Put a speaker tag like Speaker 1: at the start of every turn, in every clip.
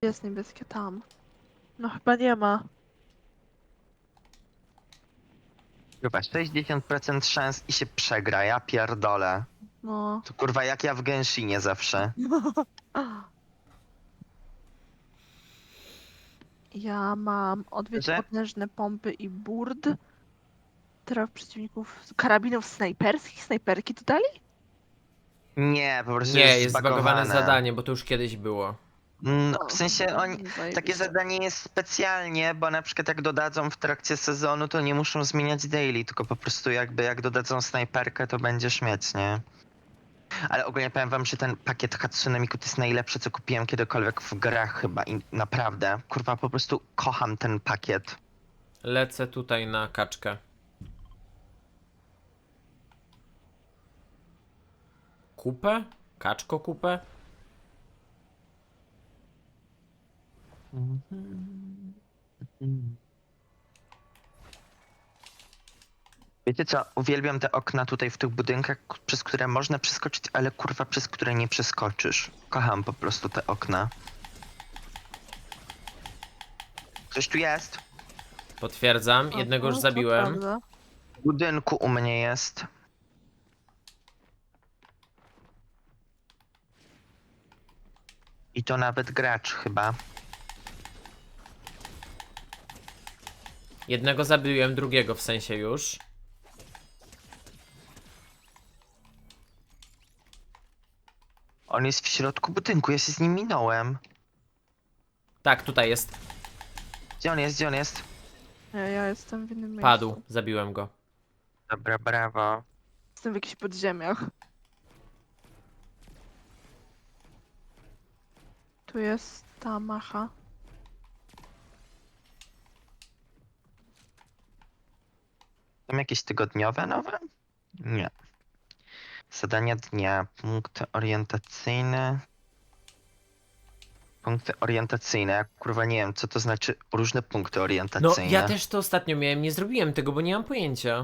Speaker 1: Jest niebieskie tam. No chyba nie ma.
Speaker 2: Chyba 60% szans i się przegra, ja pierdolę.
Speaker 1: No.
Speaker 2: To kurwa jak ja w Genshinie zawsze.
Speaker 1: Ja mam odwiedź
Speaker 2: Że?
Speaker 1: potężne pompy i burd. Traf przeciwników z karabinów snajperskich. Snajperki tu dali?
Speaker 2: Nie, po prostu
Speaker 3: Nie,
Speaker 2: jest
Speaker 3: jest zbagowane
Speaker 2: zbagowane.
Speaker 3: zadanie, bo to już kiedyś było.
Speaker 2: No,
Speaker 1: O,
Speaker 2: w sensie oni, takie
Speaker 1: zajebiście.
Speaker 2: zadanie jest specjalnie, bo na przykład jak dodadzą w trakcie sezonu, to nie muszą zmieniać daily, tylko po prostu jakby jak dodadzą snajperkę, to będziesz mieć, nie? Ale ogólnie powiem wam, że ten pakiet Hatsune Miku to jest najlepszy, co kupiłem kiedykolwiek w grach chyba i naprawdę, kurwa, po prostu kocham ten pakiet.
Speaker 3: Lecę tutaj na kaczkę. Kupę? Kaczko kupę?
Speaker 2: Wiecie co, uwielbiam te okna tutaj w tych budynkach, przez które można przeskoczyć, ale kurwa przez które nie przeskoczysz. Kocham po prostu te okna. Coś tu jest?
Speaker 3: Potwierdzam, jednego już
Speaker 1: to
Speaker 3: zabiłem.
Speaker 1: prawda.
Speaker 2: W budynku u mnie jest. I to nawet gracz chyba.
Speaker 3: Jednego zabiłem, drugiego w sensie już.
Speaker 2: On jest w środku budynku, ja się z nim minąłem.
Speaker 3: Tak, tutaj jest.
Speaker 2: Gdzie on jest, gdzie on jest?
Speaker 1: Nie, ja jestem w innym miejscu.
Speaker 3: Padł, zabiłem go.
Speaker 2: Dobra, brawo.
Speaker 1: Jestem w jakichś podziemiach. Tu jest ta macha.
Speaker 2: Są jakieś tygodniowe nowe? Nie. Zadania dnia, punkty orientacyjne. Punkty orientacyjne, ja kurwa nie wiem, co to znaczy różne punkty
Speaker 3: No,
Speaker 2: orientacyjne.
Speaker 3: ja też to ostatnio miałem, nie zrobiłem tego, bo nie mam pojęcia.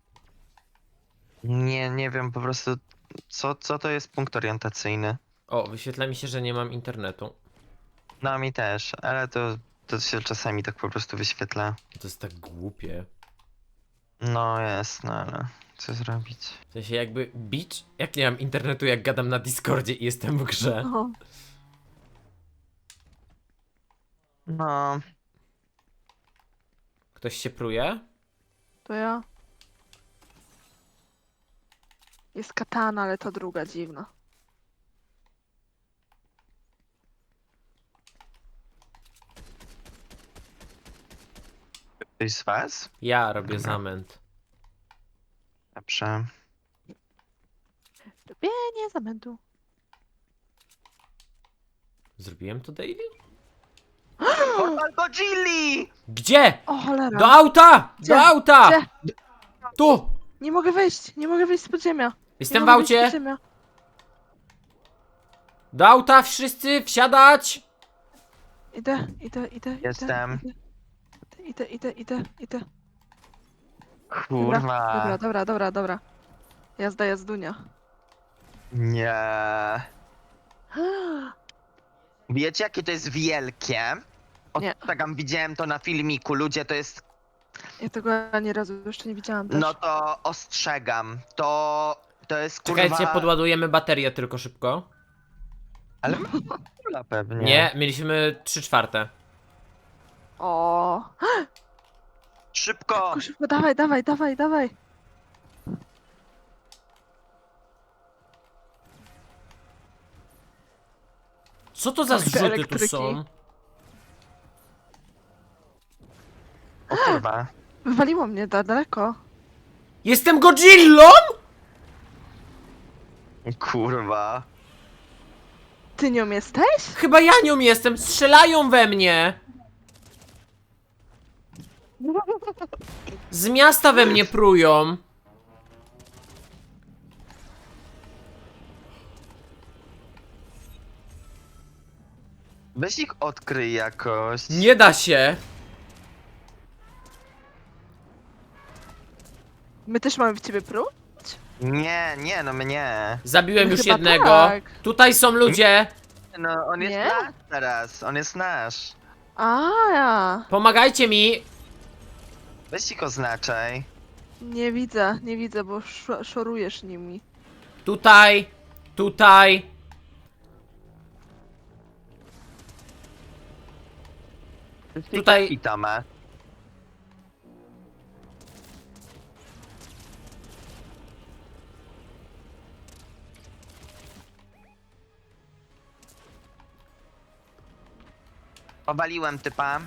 Speaker 2: Nie wiem po prostu, co to jest punkt orientacyjny.
Speaker 3: O, wyświetla mi się, że nie mam internetu.
Speaker 2: No mi też, ale to się czasami tak po prostu wyświetla.
Speaker 3: To jest tak głupie.
Speaker 2: No jest, no ale co zrobić?
Speaker 3: W sensie jakby, bitch, jak nie mam internetu, jak gadam na Discordzie i jestem w grze.
Speaker 1: O,
Speaker 2: No,
Speaker 3: Ktoś się pruje?
Speaker 1: to ja. Jest katana, ale to druga dziwna.
Speaker 2: ktoś z was?
Speaker 3: Ja robię
Speaker 2: Dobra.
Speaker 3: zamęt.
Speaker 2: Dobrze.
Speaker 1: Robienie zamętu.
Speaker 3: Zrobiłem to daily?
Speaker 2: Portal Godzilli!
Speaker 3: Gdzie?
Speaker 1: O cholera.
Speaker 3: Do auta!
Speaker 1: Gdzie?
Speaker 3: Do auta!
Speaker 1: Gdzie?
Speaker 3: Tu!
Speaker 1: Nie mogę wejść, nie mogę wyjść z podziemia.
Speaker 3: Jestem
Speaker 1: Nie
Speaker 3: w
Speaker 1: mogę wyjść z
Speaker 3: aucie!
Speaker 1: podziemia.
Speaker 3: Do auta wszyscy wsiadać!
Speaker 1: Idę.
Speaker 2: Jestem.
Speaker 1: Idę.
Speaker 2: Kurwa.
Speaker 1: Dobra. Jazda, jazdunia.
Speaker 2: Nie. Wiecie jakie to jest wielkie?
Speaker 1: Nie.
Speaker 2: Ostrzegam, widziałem to na filmiku, ludzie to jest...
Speaker 1: Ja tego ani razu jeszcze nie widziałam też.
Speaker 2: No to ostrzegam, to jest kurwa...
Speaker 3: Czekajcie, podładujemy baterię tylko szybko.
Speaker 2: Ale kula pewnie.
Speaker 3: Nie, mieliśmy 3/4.
Speaker 1: O.
Speaker 2: Szybko!
Speaker 1: Szybko, dawaj.
Speaker 3: Co to za
Speaker 1: Ach, te
Speaker 3: zrzuty tu
Speaker 1: elektryki.
Speaker 3: są?
Speaker 2: O kurwa.
Speaker 1: Wywaliło mnie daleko.
Speaker 3: Jestem Godzillą?!
Speaker 2: Kurwa.
Speaker 1: Ty nią jesteś?
Speaker 3: Chyba ja nią jestem, strzelają we mnie! Z miasta we mnie prują.
Speaker 2: Weź ich odkryj jakoś.
Speaker 3: Nie da się.
Speaker 1: My też mamy w ciebie próg?
Speaker 2: Nie, no mnie.
Speaker 3: Zabiłem
Speaker 1: No
Speaker 3: już
Speaker 1: chyba
Speaker 3: jednego.
Speaker 1: tak.
Speaker 3: Tutaj są ludzie.
Speaker 2: No, on jest
Speaker 1: Nie?
Speaker 2: nasz teraz, on jest nasz.
Speaker 1: A, ja.
Speaker 3: Pomagajcie mi!
Speaker 2: Weź ich oznaczaj.
Speaker 1: Nie widzę, bo szorujesz nimi.
Speaker 3: Tutaj! Tutaj! Tutaj-
Speaker 2: I Toma. Powaliłem typa.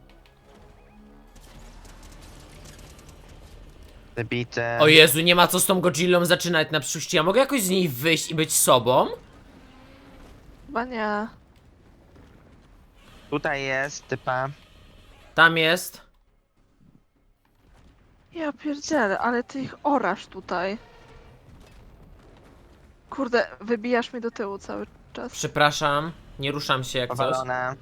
Speaker 2: Wybity.
Speaker 3: O Jezu, nie ma co z tą Godzillą zaczynać na przyszłość. Ja mogę jakoś z niej wyjść i być sobą?
Speaker 1: Chyba nie.
Speaker 2: Tutaj jest typa.
Speaker 3: Tam jest.
Speaker 1: Ja pierdzielę, ale ty ich orasz tutaj. Kurde, wybijasz mnie do tyłu cały czas.
Speaker 3: Przepraszam, nie ruszam się jak coś.
Speaker 2: Powalone.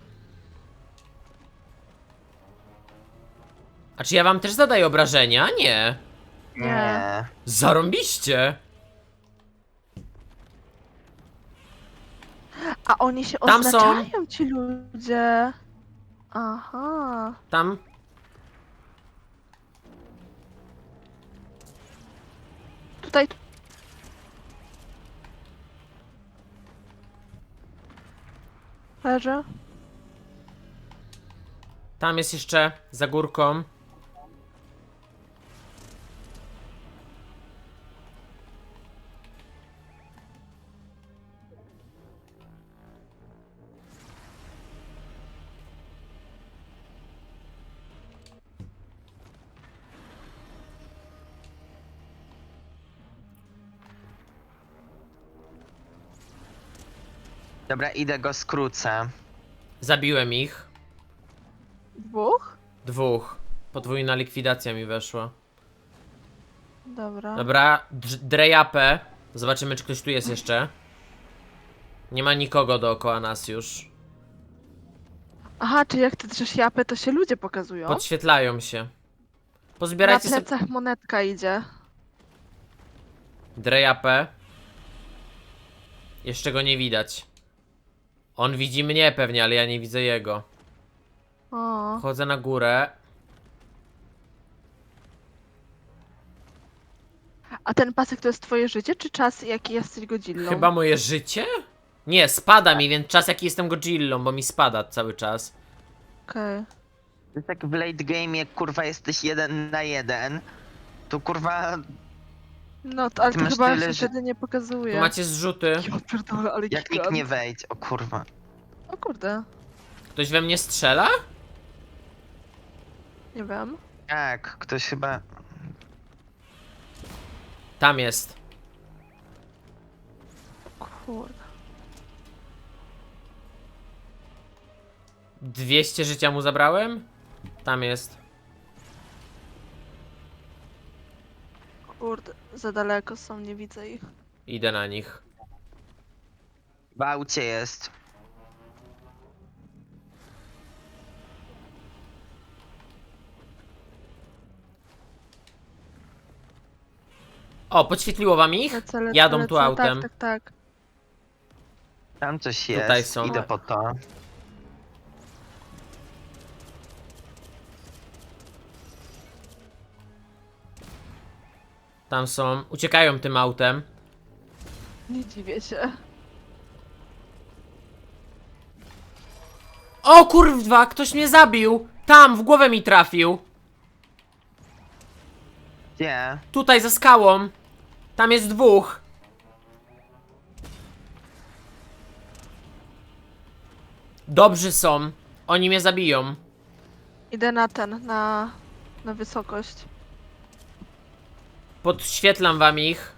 Speaker 3: A czy ja wam też zadaję obrażenia? Nie.
Speaker 1: Nie.
Speaker 3: Zarąbiście.
Speaker 1: A oni się
Speaker 3: Tam są.
Speaker 1: oznaczają, ci ludzie. Aha.
Speaker 3: Tam.
Speaker 1: Tutaj. Leży.
Speaker 3: Tam jest jeszcze za górką.
Speaker 2: Dobra, idę go skrócę.
Speaker 3: Zabiłem ich.
Speaker 1: Dwóch?
Speaker 3: Dwóch. Podwójna likwidacja mi weszła.
Speaker 1: Dobra.
Speaker 3: Dobra, drejapę. Zobaczymy, czy ktoś tu jest jeszcze. Nie ma nikogo dookoła nas już.
Speaker 1: Aha, czy jak ty drzesz japę, to się ludzie pokazują?
Speaker 3: Podświetlają się.
Speaker 1: Na
Speaker 3: Pozbierajcie sobie
Speaker 1: plecach monetka idzie.
Speaker 3: drejapę. Jeszcze go nie widać. On widzi mnie pewnie, ale ja nie widzę jego.
Speaker 1: O.
Speaker 3: Chodzę na górę.
Speaker 1: A ten pasek to jest twoje życie, czy czas, jaki jesteś Godzillą?
Speaker 3: Chyba moje życie? Nie, spada mi, więc czas jaki jestem Godzillą, bo mi spada cały czas.
Speaker 1: Okej.
Speaker 2: To jest jak w late game, jak kurwa jesteś 1 na 1. To kurwa.
Speaker 1: No, to, ale
Speaker 2: Ty
Speaker 1: to
Speaker 2: masz
Speaker 1: chyba
Speaker 2: tyle,
Speaker 1: się
Speaker 2: że-
Speaker 1: wtedy nie pokazuje.
Speaker 3: Tu macie zrzuty.
Speaker 1: Ja pierdolę, ale
Speaker 2: Jak
Speaker 1: gigant.
Speaker 2: nikt nie wejdź. O kurwa.
Speaker 1: O kurde,
Speaker 3: Ktoś we mnie strzela?
Speaker 1: nie wiem.
Speaker 2: Tak, ktoś chyba.
Speaker 3: Tam jest.
Speaker 1: Kurde.
Speaker 3: 200 życia mu zabrałem? Tam jest.
Speaker 1: Kurde, za daleko są, nie widzę ich.
Speaker 3: Idę na nich.
Speaker 2: W aucie jest.
Speaker 3: O, podświetliło wam ich?
Speaker 1: Lecę,
Speaker 3: Jadą
Speaker 1: lecę.
Speaker 3: tu autem.
Speaker 1: Tak, tak, tak.
Speaker 2: Tam coś jest.
Speaker 3: Tutaj są.
Speaker 2: Idę po to.
Speaker 3: Tam są. Uciekają tym autem.
Speaker 1: Nie dziwię się.
Speaker 3: O kurwa, ktoś mnie zabił! Tam, w głowę mi trafił.
Speaker 2: Gdzie?
Speaker 3: Tutaj, za skałą. Tam jest dwóch. Dobrzy są. Oni mnie zabiją.
Speaker 1: Idę na ten, na wysokość.
Speaker 3: Podświetlam wam ich.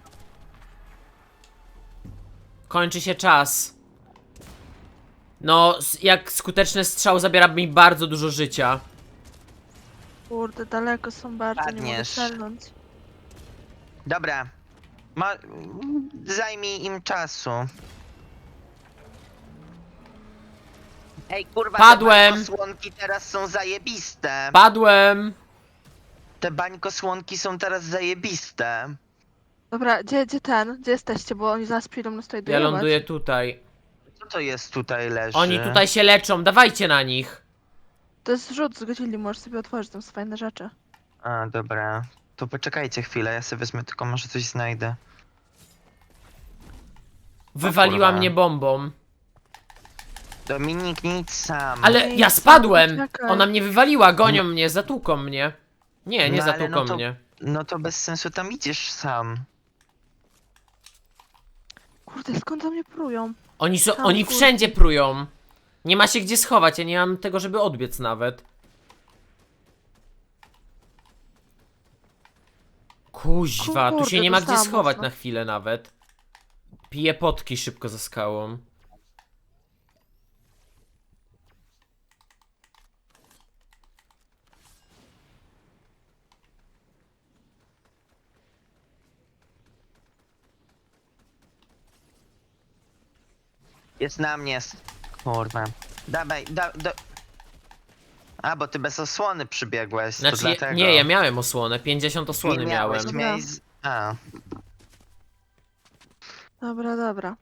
Speaker 3: Kończy się czas. No, jak skuteczny strzał zabiera mi bardzo dużo życia.
Speaker 1: Kurde, daleko są bardzo, nie mogę
Speaker 2: Padniesz.
Speaker 1: strzelnąć.
Speaker 2: Dobra. Zajmij im czasu. Ej, kurwa,
Speaker 3: Padłem.
Speaker 2: te bańkosłonki teraz są zajebiste.
Speaker 3: Padłem.
Speaker 2: Te bańkosłonki są teraz zajebiste.
Speaker 1: Dobra, gdzie jesteście, bo oni zaraz przyjdą nas tutaj
Speaker 3: Ja
Speaker 1: dojebać.
Speaker 3: ląduję tutaj.
Speaker 2: Co to jest tutaj leży?
Speaker 3: Oni tutaj się leczą, dawajcie na nich.
Speaker 1: To jest rzut z godzili, możesz sobie otworzyć, tam są fajne rzeczy.
Speaker 2: A, dobra. To poczekajcie chwilę, ja sobie wezmę, tylko może coś znajdę.
Speaker 3: Wywaliła
Speaker 2: kurwa.
Speaker 3: mnie bombą.
Speaker 2: Dominik, nie idź sam.
Speaker 3: Ale
Speaker 1: Ej,
Speaker 3: ja
Speaker 1: co?
Speaker 3: spadłem!
Speaker 1: Poczekaj.
Speaker 3: Ona mnie wywaliła, gonią mnie, zatłuką mnie. Nie, nie
Speaker 2: No ale
Speaker 3: zatłuką
Speaker 2: no to-
Speaker 3: mnie.
Speaker 2: No to bez sensu tam idziesz sam.
Speaker 1: Kurde, skąd za mnie prują? Tam
Speaker 3: Oni
Speaker 1: w górce.
Speaker 3: wszędzie prują. Nie ma się gdzie schować, ja nie mam tego, żeby odbiec nawet. Kuźwa, tu się
Speaker 1: Kurde,
Speaker 3: nie ma gdzie
Speaker 1: dostałam
Speaker 3: schować
Speaker 1: mocno.
Speaker 3: na chwilę nawet. Piję potki szybko za skałą.
Speaker 2: Jest na mnie. Kurwa. Dawaj, A, bo ty bez osłony przybiegłeś, to
Speaker 3: Znaczy,
Speaker 2: dlatego.
Speaker 3: nie, ja miałem osłonę, 50 osłony
Speaker 2: Nie
Speaker 3: miałem.
Speaker 2: miałeś, miałeś... A.
Speaker 1: Dobra, dobra.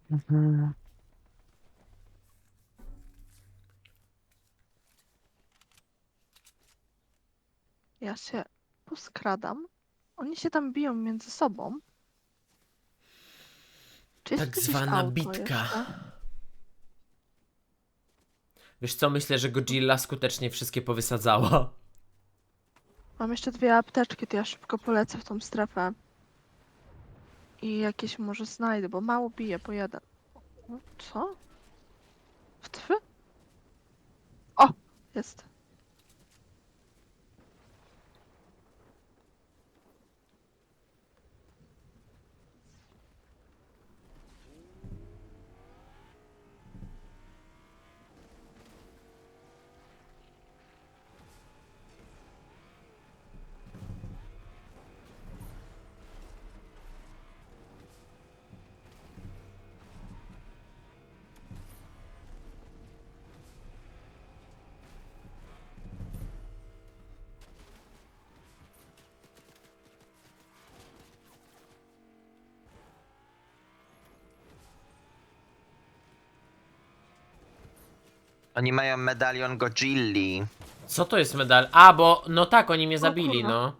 Speaker 1: Ja się poskradam. Oni się tam biją między sobą. Czy jest
Speaker 3: Tak
Speaker 1: tu gdzieś
Speaker 3: zwana
Speaker 1: auto
Speaker 3: bitka.
Speaker 1: jeszcze?
Speaker 3: Wiesz co, myślę, że Godzilla skutecznie wszystkie powysadzała.
Speaker 1: Mam jeszcze 2 apteczki, to ja szybko polecę w tą strefę. I jakieś może znajdę, bo mało bije po jeden. Co? W twy? O! Jest.
Speaker 2: Oni mają medalion Godzilli.
Speaker 3: Co to jest medal? A, bo, no tak, oni mnie zabili,
Speaker 1: kurwa.
Speaker 3: no.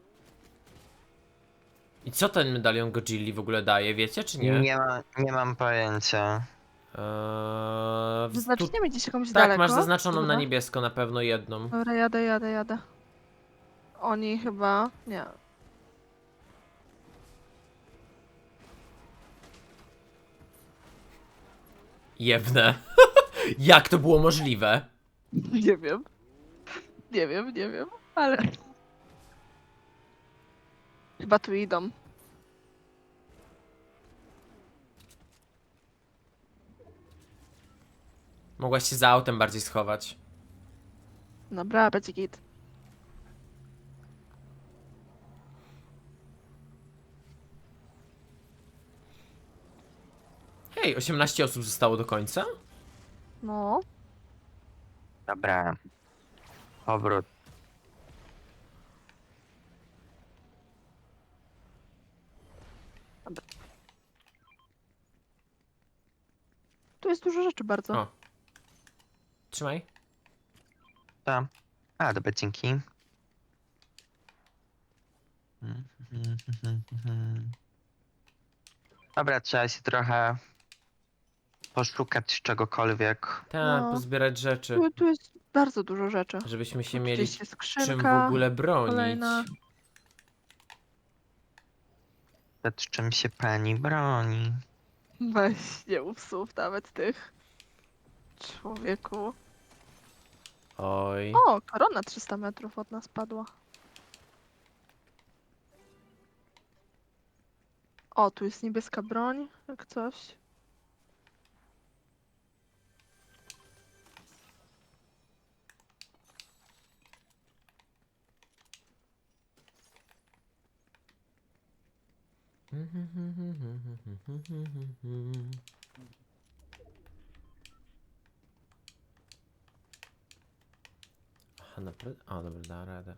Speaker 3: I co ten medalion Godzilli w ogóle daje, wiecie czy nie?
Speaker 2: Nie mam pojęcia.
Speaker 3: Tu,
Speaker 1: Wyznaczniemy gdzieś jakąś
Speaker 3: tak,
Speaker 1: daleko.
Speaker 3: masz zaznaczoną na
Speaker 1: Dobra.
Speaker 3: niebiesko na pewno jedną.
Speaker 1: Dobra, jadę. Oni chyba... Nie.
Speaker 3: Jebne. Jak to było możliwe?
Speaker 1: Nie wiem. Nie wiem, ale... Chyba tu idą.
Speaker 3: Mogłaś się za autem bardziej schować.
Speaker 1: Dobra, będzie git.
Speaker 3: Hej, 18 osób zostało do końca?
Speaker 1: No.
Speaker 2: Dobra. Powrót.
Speaker 1: Tu jest dużo rzeczy bardzo.
Speaker 3: O. Trzymaj.
Speaker 2: Tam. A, dobra, dzięki. Dobra, trzeba się trochę poszukać czegokolwiek.
Speaker 3: Tak,
Speaker 1: No.
Speaker 3: pozbierać rzeczy.
Speaker 1: Tu jest bardzo dużo rzeczy.
Speaker 3: Żebyśmy się
Speaker 1: Tu
Speaker 3: mieli
Speaker 1: gdzieś jest
Speaker 3: czym w
Speaker 1: skrzynka.
Speaker 3: ogóle bronić.
Speaker 1: kolejna.
Speaker 2: Przed czym się pani broni?
Speaker 1: Weź, nie mów słów nawet tych. Człowieku.
Speaker 3: Oj.
Speaker 1: O, korona 300 metrów od nas padła. O, tu jest niebieska broń, jak coś.
Speaker 3: Aha, naprawdę? O, dobra, da radę.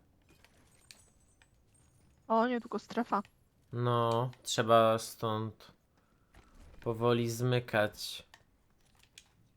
Speaker 1: O, nie, tylko strefa.
Speaker 3: No, trzeba stąd powoli zmykać.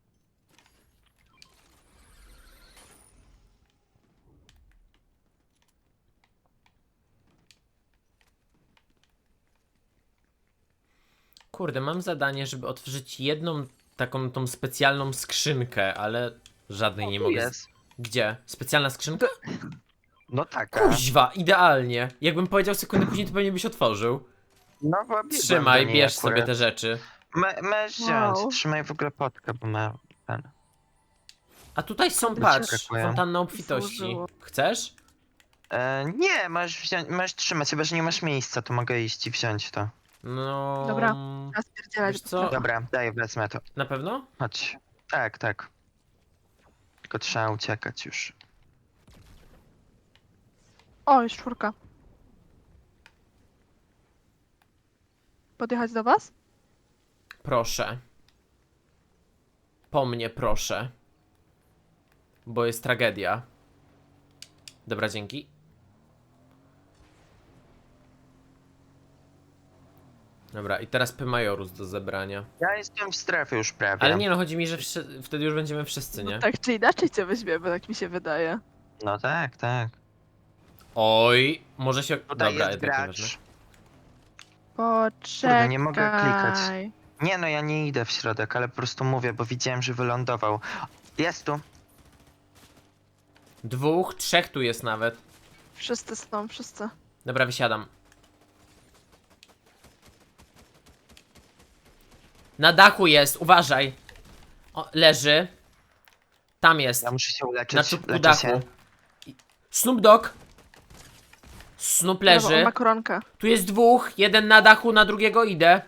Speaker 3: Kurde, mam zadanie, żeby otworzyć jedną taką tą specjalną skrzynkę, ale żadnej nie
Speaker 2: Tu
Speaker 3: mogę.
Speaker 2: jest.
Speaker 3: Gdzie? Specjalna skrzynka?
Speaker 2: No taka.
Speaker 3: Kuźwa, idealnie. Jakbym powiedział sekundę później, to pewnie byś otworzył.
Speaker 2: No bo biegłem
Speaker 3: Trzymaj,
Speaker 2: do niej
Speaker 3: bierz sobie
Speaker 2: akurat.
Speaker 3: te rzeczy.
Speaker 2: Możesz wziąć.
Speaker 1: Wow.
Speaker 2: Trzymaj w ogóle potkę, bo ma ten.
Speaker 3: A tutaj są,
Speaker 1: Kurde,
Speaker 3: patrz,
Speaker 2: przeskakuję.
Speaker 3: fontanna obfitości.
Speaker 1: Służyło.
Speaker 3: Chcesz?
Speaker 2: Nie, możesz wziąć, możesz trzymać, chyba że nie masz miejsca, to mogę iść i wziąć to.
Speaker 3: No...
Speaker 1: Dobra. Czas pierdzielać.
Speaker 3: Wiesz co?
Speaker 2: Dobra, daj, wezmę to.
Speaker 3: Na pewno?
Speaker 2: Chodź. Tak, tak. Tylko trzeba uciekać już.
Speaker 1: O, jest 4. Podjechać do was?
Speaker 3: Proszę. Po mnie, proszę. Bo jest tragedia. Dobra, dzięki. Dobra, i teraz Majorus do zebrania.
Speaker 2: Ja jestem w strefie już prawie.
Speaker 3: Ale nie no, chodzi mi, że wtedy już będziemy wszyscy, nie?
Speaker 1: No tak czy inaczej cię weźmiemy, tak mi się wydaje.
Speaker 2: No tak, tak.
Speaker 3: Oj, może się...
Speaker 2: Tutaj
Speaker 3: Dobra,
Speaker 2: jest
Speaker 3: jednak nieważne.
Speaker 2: gracz.
Speaker 1: Poczekaj.
Speaker 2: nie mogę klikać. Nie no, ja nie idę w środek, ale po prostu mówię, bo widziałem, że wylądował. Jest tu.
Speaker 3: 2, 3 tu jest nawet.
Speaker 1: Wszyscy są, wszyscy.
Speaker 3: Dobra, wysiadam. Na dachu jest, uważaj. O, leży. Tam jest.
Speaker 2: Ja muszę się uleczyć.
Speaker 3: Na czubku
Speaker 2: Leczę
Speaker 3: dachu.
Speaker 2: się.
Speaker 3: Snoop Dogg. Snoop
Speaker 1: Brawo, on
Speaker 3: leży.
Speaker 1: ma koronkę.
Speaker 3: Tu jest 2, jeden na dachu, na drugiego idę.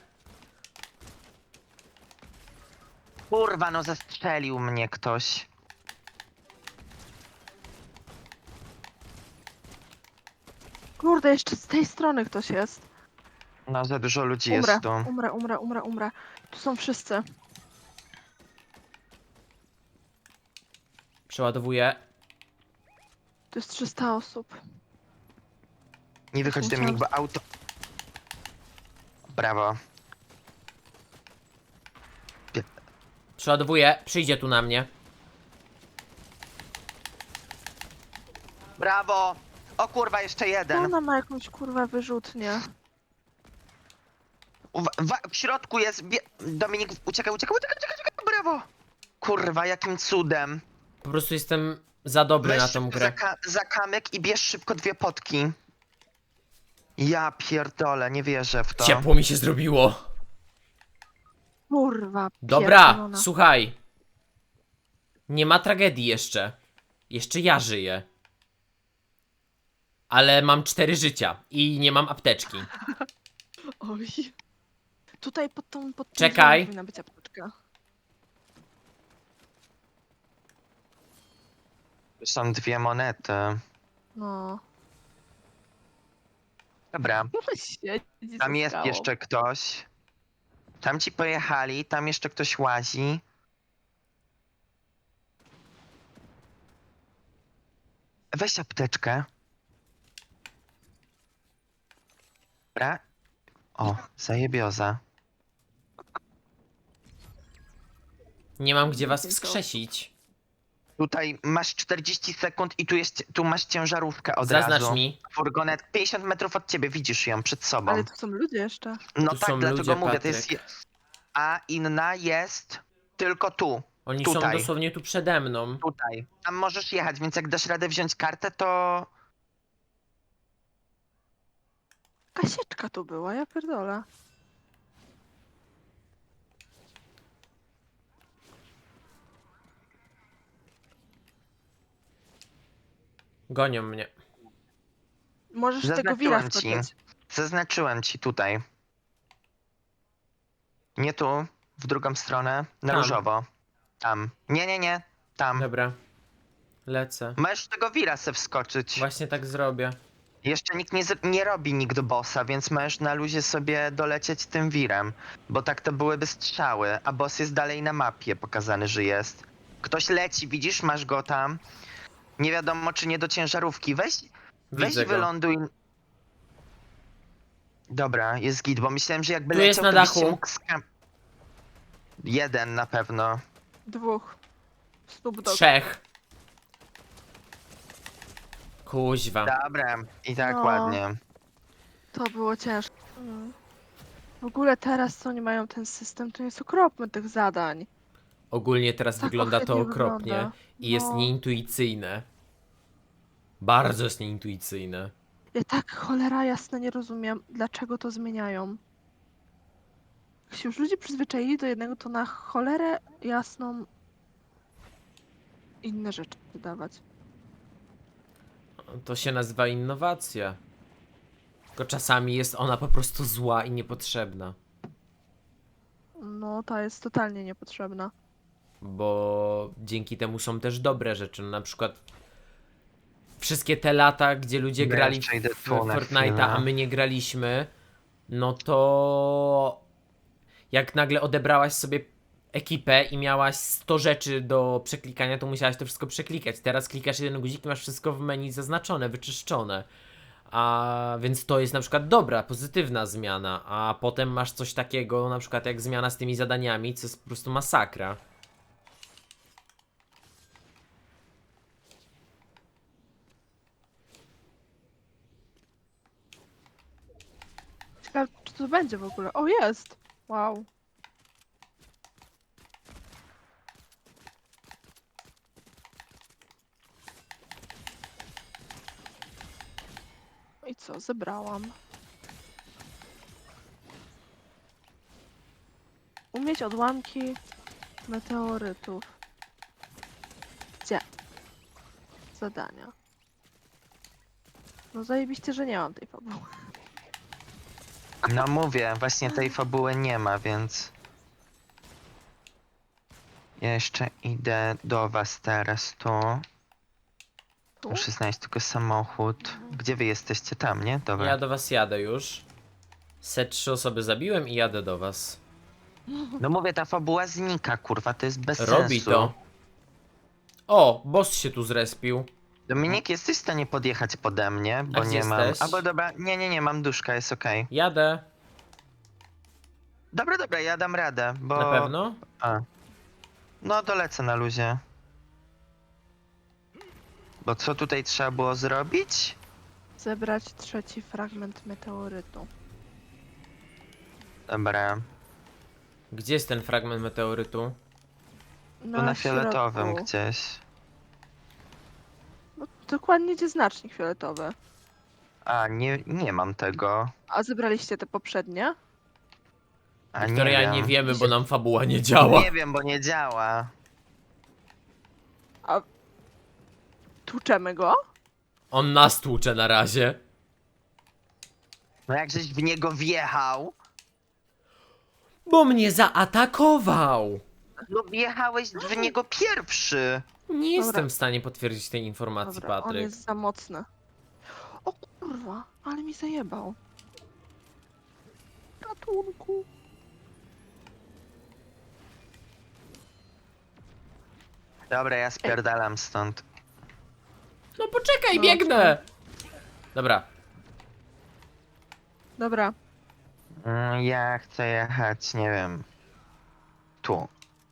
Speaker 2: Kurwa, no zastrzelił mnie ktoś.
Speaker 1: Kurde, jeszcze z tej strony ktoś jest.
Speaker 2: No za dużo ludzi
Speaker 1: Umrę,
Speaker 2: jest tu.
Speaker 1: umrę. Tu są wszyscy.
Speaker 3: Przeładowuję.
Speaker 1: Tu jest 300 osób.
Speaker 2: Nie wychodź Dominik, bo auto... Brawo.
Speaker 3: Przeładowuję. Przyjdzie tu na mnie.
Speaker 2: Brawo! O kurwa, jeszcze jeden.
Speaker 1: Ona ma jakąś kurwa wyrzutnię.
Speaker 2: W środku jest... Dominik, uciekaj. Brawo! Kurwa, jakim cudem.
Speaker 3: Po prostu jestem za dobry na
Speaker 2: Weź
Speaker 3: tą
Speaker 2: szybko
Speaker 3: grę.
Speaker 2: za kamyk i bierz szybko 2 potki. Ja pierdolę, nie wierzę w to.
Speaker 3: Ciepło mi się zrobiło.
Speaker 1: Kurwa,
Speaker 3: Dobra,
Speaker 1: pierdolona.
Speaker 3: słuchaj. Nie ma tragedii jeszcze. Jeszcze ja żyję. Ale mam 4 życia i nie mam apteczki.
Speaker 1: Oj. Tutaj pod tą... Pod tym
Speaker 3: Czekaj.
Speaker 1: drzewem powinna być apteczka.
Speaker 2: Tu są 2 monety.
Speaker 1: No.
Speaker 2: Dobra,
Speaker 1: Siedzi
Speaker 2: tam
Speaker 1: za
Speaker 2: jest
Speaker 1: skałą.
Speaker 2: jeszcze ktoś. Tam ci pojechali, tam jeszcze ktoś łazi. Weź apteczkę. Dobra. O, zajebioza.
Speaker 3: Nie mam gdzie was
Speaker 1: Więcej
Speaker 3: wskrzesić.
Speaker 2: Tutaj masz 40 sekund i tu masz ciężarówkę od
Speaker 3: Zaznacz
Speaker 2: razu.
Speaker 3: mi.
Speaker 2: Furgonet 50 metrów od ciebie, widzisz ją przed sobą.
Speaker 1: Ale tu są ludzie jeszcze.
Speaker 2: No
Speaker 3: Tu
Speaker 2: tak,
Speaker 3: są
Speaker 2: dlatego
Speaker 3: ludzie,
Speaker 2: mówię, to jest...
Speaker 3: Patryk.
Speaker 2: A inna jest tylko tu.
Speaker 3: Oni są
Speaker 2: Tutaj.
Speaker 3: dosłownie tu przede mną.
Speaker 2: Tutaj. Tam możesz jechać, więc jak dasz radę wziąć kartę, to...
Speaker 1: Kasieczka tu była, ja pierdolę.
Speaker 3: Gonią mnie.
Speaker 1: Możesz z tego wira
Speaker 2: Zaznaczyłem ci.
Speaker 1: skoczyć.
Speaker 2: Zaznaczyłem ci tutaj. Nie tu, w drugą stronę, na
Speaker 3: Tam.
Speaker 2: różowo. Tam. Nie. Tam.
Speaker 3: Dobra. Lecę.
Speaker 2: Możesz tego wira se wskoczyć.
Speaker 3: Właśnie tak zrobię.
Speaker 2: Jeszcze nikt nie robi nikt bossa, więc możesz na luzie sobie dolecieć tym wirem. Bo tak to byłyby strzały, a boss jest dalej na mapie pokazany, że jest. Ktoś leci, widzisz, masz go tam. Nie wiadomo, czy nie do ciężarówki. Weź
Speaker 3: Widzę go.
Speaker 2: wyląduj. Dobra, jest git, bo myślałem, że jakby
Speaker 3: Tu jest
Speaker 2: leciał,
Speaker 3: na
Speaker 2: to byś się
Speaker 3: dachu.
Speaker 2: mógł Jeden na pewno.
Speaker 1: 2. Snoop Dogg.
Speaker 3: 3. Kuźwa.
Speaker 2: Dobra, i tak
Speaker 1: No.
Speaker 2: ładnie.
Speaker 1: To było ciężkie. W ogóle teraz, co oni mają ten system, to jest okropny tych zadań.
Speaker 3: Ogólnie teraz
Speaker 1: Tak
Speaker 3: wygląda to
Speaker 1: ohydnie
Speaker 3: okropnie
Speaker 1: wygląda.
Speaker 3: i jest
Speaker 1: No.
Speaker 3: nieintuicyjne. Bardzo jest nieintuicyjne.
Speaker 1: Ja tak cholera jasna nie rozumiem, dlaczego to zmieniają. Jak się już ludzie przyzwyczaili do jednego, to na cholerę jasną inne rzeczy wydawać.
Speaker 3: To się nazywa innowacja. Tylko czasami jest ona po prostu zła i niepotrzebna.
Speaker 1: No, ta jest totalnie niepotrzebna.
Speaker 3: Bo dzięki temu są też dobre rzeczy. No, na przykład wszystkie te lata, gdzie ludzie
Speaker 2: Ja
Speaker 3: grali
Speaker 2: jeszcze idę
Speaker 3: w
Speaker 2: tu na
Speaker 3: Fortnite'a,
Speaker 2: chwilę.
Speaker 3: a my nie graliśmy, no to jak nagle odebrałaś sobie ekipę i miałaś 100 rzeczy do przeklikania, to musiałaś to wszystko przeklikać. Teraz klikasz jeden guzik i masz wszystko w menu zaznaczone, wyczyszczone. A więc to jest na przykład dobra, pozytywna zmiana, a potem masz coś takiego, na przykład jak zmiana z tymi zadaniami, co jest po prostu masakra.
Speaker 1: Ciekawe, czy to będzie w ogóle. O, jest! Wow. I co, zebrałam. Umieć odłamki meteorytów. Gdzie? Zadania. No zajebiście, że nie mam tej fabuły.
Speaker 2: No mówię, właśnie tej fabuły nie ma, więc... Ja jeszcze idę do was teraz tu.
Speaker 1: Tu?
Speaker 2: Muszę znaleźć tylko samochód. Gdzie wy jesteście? Tam, nie? Dobra.
Speaker 3: Ja do was jadę już. Se 3 osoby zabiłem i jadę do was.
Speaker 2: No mówię, ta fabuła znika, kurwa, to jest bez
Speaker 3: Robi
Speaker 2: sensu.
Speaker 3: to. O, boss się tu zrespił.
Speaker 2: Dominik, jesteś w stanie podjechać pode mnie, bo
Speaker 3: gdzie
Speaker 2: nie mam...
Speaker 3: jesteś?
Speaker 2: Albo dobra, nie, mam duszka, jest okej.
Speaker 3: Jadę.
Speaker 2: Dobra, ja dam radę, bo...
Speaker 3: Na pewno?
Speaker 2: A. No, dolecę na luzie. Bo co tutaj trzeba było zrobić?
Speaker 1: Zebrać 3. fragment meteorytu.
Speaker 2: Dobra,
Speaker 3: Gdzie jest ten fragment meteorytu?
Speaker 2: tu na fioletowym
Speaker 1: środku.
Speaker 2: gdzieś.
Speaker 1: No, dokładnie gdzie znacznik fioletowy.
Speaker 2: A, nie mam tego.
Speaker 1: A zebraliście te poprzednie?
Speaker 2: A
Speaker 3: Wiktoria,
Speaker 2: nie
Speaker 3: nie
Speaker 2: wiem.
Speaker 3: wiemy, bo nam fabuła nie działa.
Speaker 2: Nie wiem, bo nie działa.
Speaker 1: Tłuczemy go?
Speaker 3: On nas tłucze na razie.
Speaker 2: No jak żeś w niego wjechał,
Speaker 3: Bo mnie zaatakował!
Speaker 2: no wjechałeś w niego pierwszy.
Speaker 3: Nie jestem w stanie potwierdzić tej informacji,
Speaker 1: Dobra, on
Speaker 3: Patryk.
Speaker 1: jest za mocny. O kurwa, ale mi zajebał. Ratunku.
Speaker 2: Dobra, ja spierdalam stąd.
Speaker 3: No poczekaj,
Speaker 1: No,
Speaker 3: biegnę! Dobra,
Speaker 1: Dobra,
Speaker 2: Ja chcę jechać, nie wiem. Tu.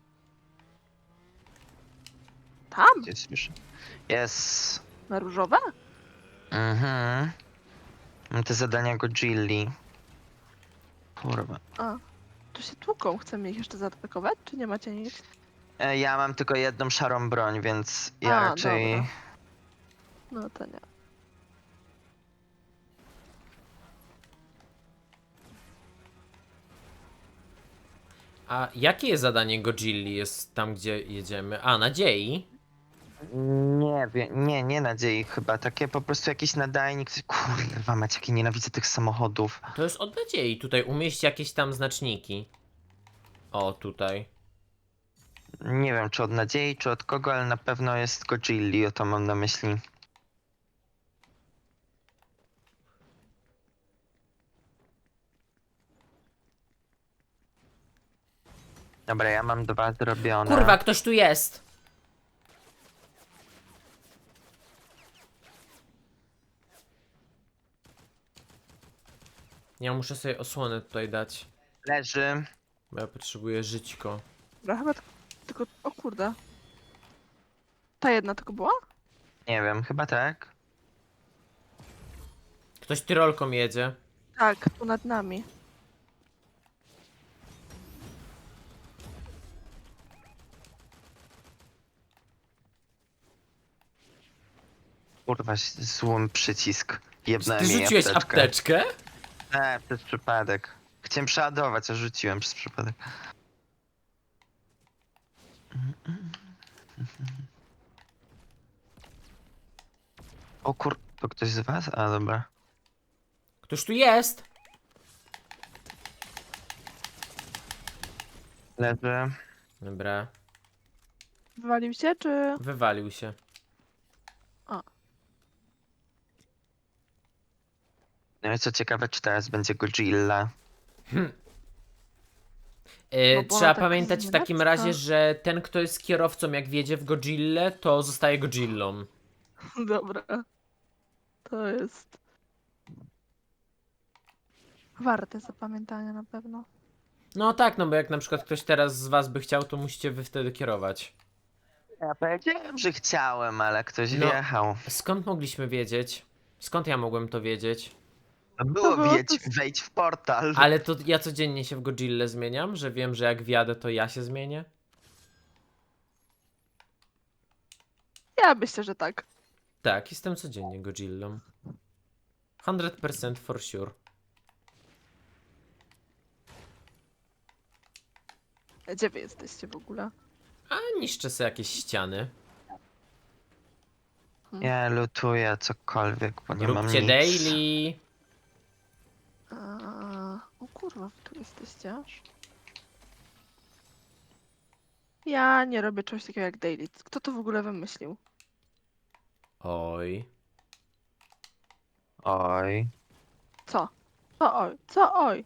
Speaker 1: tam?
Speaker 2: Gdzieś już. Jest.
Speaker 1: Na różowe?
Speaker 2: Mhm. Mam te zadania Godzilli. Kurwa.
Speaker 1: A, tu się tłuką. Chcemy ich jeszcze zaatakować, czy nie macie nic?
Speaker 2: Ja mam tylko jedną szarą broń, więc ja
Speaker 1: A,
Speaker 2: raczej...
Speaker 1: dobra. No to nie.
Speaker 3: a jakie jest zadanie Godzilli? Jest tam, gdzie jedziemy? A, nadziei?
Speaker 2: Nie wiem, nie nadziei chyba. Takie po prostu jakiś nadajnik. Kurwa, macie, jakie nienawidzę tych samochodów.
Speaker 3: To jest od nadziei. Tutaj umieść jakieś tam znaczniki. O, tutaj.
Speaker 2: Nie wiem, czy od nadziei, czy od kogo, ale na pewno jest Godzilli, o to mam na myśli. Dobra, ja mam 2 zrobione.
Speaker 3: Kurwa, ktoś tu jest! Ja muszę sobie osłonę tutaj dać.
Speaker 2: Leży.
Speaker 3: Bo ja potrzebuję żyćko.
Speaker 1: Dobra, chyba tylko... O kurde. Ta jedna tylko była?
Speaker 2: Nie wiem, chyba tak.
Speaker 3: Ktoś tyrolką jedzie.
Speaker 1: Tak, tu nad nami.
Speaker 2: Kurwa, złym przycisk.
Speaker 3: Czy
Speaker 2: Jebnąłem
Speaker 3: ty
Speaker 2: jej
Speaker 3: rzuciłeś
Speaker 2: apteczkę.
Speaker 3: apteczkę?
Speaker 2: Nie, przez przypadek. Chciałem przeładować, a rzuciłem przez przypadek. O kur... To ktoś z was? A, dobra.
Speaker 3: Któż tu jest?
Speaker 2: Leży.
Speaker 3: Dobra,
Speaker 1: Wywalił się, czy...
Speaker 3: wywalił się.
Speaker 2: No i co ciekawe, czy teraz będzie Godzilla.
Speaker 1: No bo ona
Speaker 3: Trzeba
Speaker 1: tak
Speaker 3: pamiętać w takim
Speaker 1: znienacka.
Speaker 3: razie, że ten, kto jest kierowcą, jak wjedzie w Godzillę, to zostaje Godzillą.
Speaker 1: Dobra. To jest... warte zapamiętania na pewno.
Speaker 3: No tak, no bo jak na przykład ktoś teraz z was by chciał, to musicie wy wtedy kierować.
Speaker 2: Ja powiedziałem, że chciałem, ale ktoś
Speaker 3: No.
Speaker 2: wjechał.
Speaker 3: Skąd mogliśmy wiedzieć? Skąd ja mogłem to wiedzieć?
Speaker 2: To było
Speaker 1: było
Speaker 2: wejdź w portal.
Speaker 3: Ale to ja codziennie się w Godzillę zmieniam, że wiem, że jak wjadę, to ja się zmienię?
Speaker 1: Ja myślę, że tak.
Speaker 3: Tak, jestem codziennie Godzillą. 100% for sure.
Speaker 1: Gdzie wy jesteście w ogóle?
Speaker 3: A niszczę sobie jakieś ściany.
Speaker 2: Ja lutuję cokolwiek, bo nie mam
Speaker 3: Róbcie
Speaker 2: nic.
Speaker 3: daily.
Speaker 1: O kurwa, wy tu jesteście aż. Ja nie robię czegoś takiego jak daily. Kto to w ogóle wymyślił?
Speaker 3: Oj.
Speaker 2: Oj.
Speaker 1: Co? Co oj? Co oj?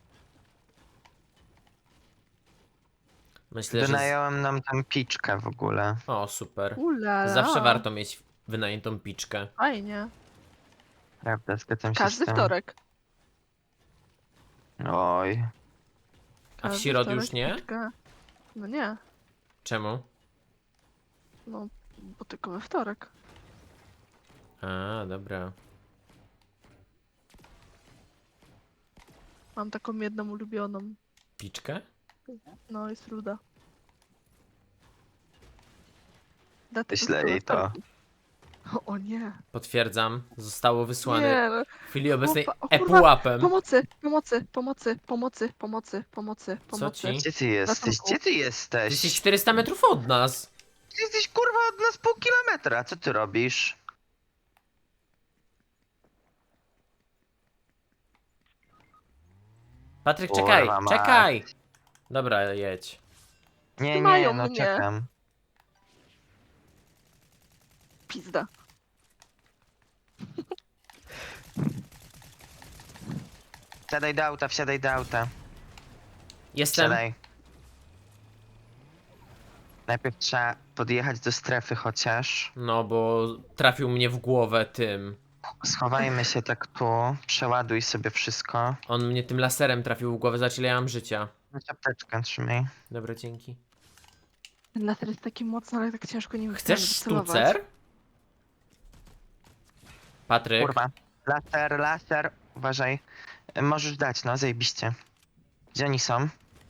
Speaker 3: Myślę, że...
Speaker 2: Wynająłem nam tam piczkę w ogóle.
Speaker 3: O, super.
Speaker 1: Ulala.
Speaker 3: Zawsze warto mieć wynajętą piczkę.
Speaker 1: Fajnie.
Speaker 2: Prawda, zgadzam się z
Speaker 1: Każdy
Speaker 2: tym.
Speaker 1: wtorek.
Speaker 2: Oj.
Speaker 3: A w
Speaker 1: Każdy
Speaker 3: środę
Speaker 1: wtorek
Speaker 3: już nie?
Speaker 1: piczka. No nie.
Speaker 3: Czemu?
Speaker 1: No, bo tylko we wtorek.
Speaker 3: A, dobra.
Speaker 1: Mam taką jedną ulubioną.
Speaker 3: Piczkę?
Speaker 1: No, jest ruda. Dlatego
Speaker 2: Wyślę
Speaker 1: tylko we
Speaker 2: jej to.
Speaker 1: wtorki. O nie.
Speaker 3: Potwierdzam. Zostało wysłane
Speaker 1: Nie, no.
Speaker 3: w chwili obecnej
Speaker 1: Chłopa- o kurwa,
Speaker 3: epułapem.
Speaker 1: Pomocy, pomocy, pomocy, pomocy, pomocy, pomocy,
Speaker 3: Co
Speaker 1: pomocy.
Speaker 3: ci?
Speaker 2: Gdzie ty jesteś?
Speaker 1: Ratunku.
Speaker 2: Gdzie ty
Speaker 3: Ty
Speaker 2: jesteś?
Speaker 3: jesteś 400 metrów od nas.
Speaker 2: Ty jesteś kurwa od nas pół kilometra. Co ty robisz?
Speaker 3: Patryk,
Speaker 2: Kurwa
Speaker 3: czekaj,
Speaker 2: mać.
Speaker 3: czekaj! Dobra, jedź.
Speaker 2: Nie,
Speaker 1: Mają
Speaker 2: nie, no
Speaker 1: mnie.
Speaker 2: czekam.
Speaker 1: Pizda.
Speaker 2: Wsiadaj do auta, wsiadaj do auta.
Speaker 3: Jestem.
Speaker 2: Wsiadaj. Najpierw trzeba podjechać do strefy chociaż.
Speaker 3: No, bo trafił mnie w głowę tym.
Speaker 2: Schowajmy się tak tu. Przeładuj sobie wszystko.
Speaker 3: On mnie tym laserem trafił w głowę, za ile ja mam życia.
Speaker 2: Weź apteczkę, trzymaj.
Speaker 3: Dobra, dzięki.
Speaker 1: Ten laser jest taki mocny, ale tak ciężko nim
Speaker 3: Chcesz
Speaker 1: wycelować.
Speaker 3: sztucer? Patryk,
Speaker 2: Kurwa. Laser, laser. Uważaj. Możesz dać, no, zajebiście. Gdzie oni są?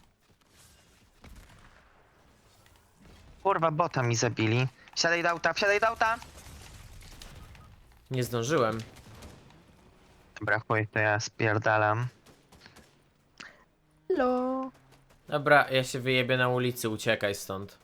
Speaker 2: Kurwa, bota mi zabili. Wsiadaj do auta, wsiadaj do auta!
Speaker 3: nie zdążyłem.
Speaker 2: Dobra, chuj, to ja spierdalam.
Speaker 1: Hello.
Speaker 3: Dobra, ja się wyjebię na ulicy, uciekaj stąd.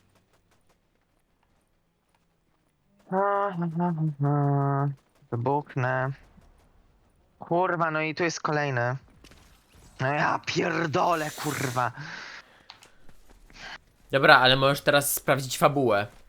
Speaker 2: Wybuchnę. Kurwa, no i tu jest kolejny. No ja pierdolę, kurwa.
Speaker 3: Dobra, ale możesz teraz sprawdzić fabułę.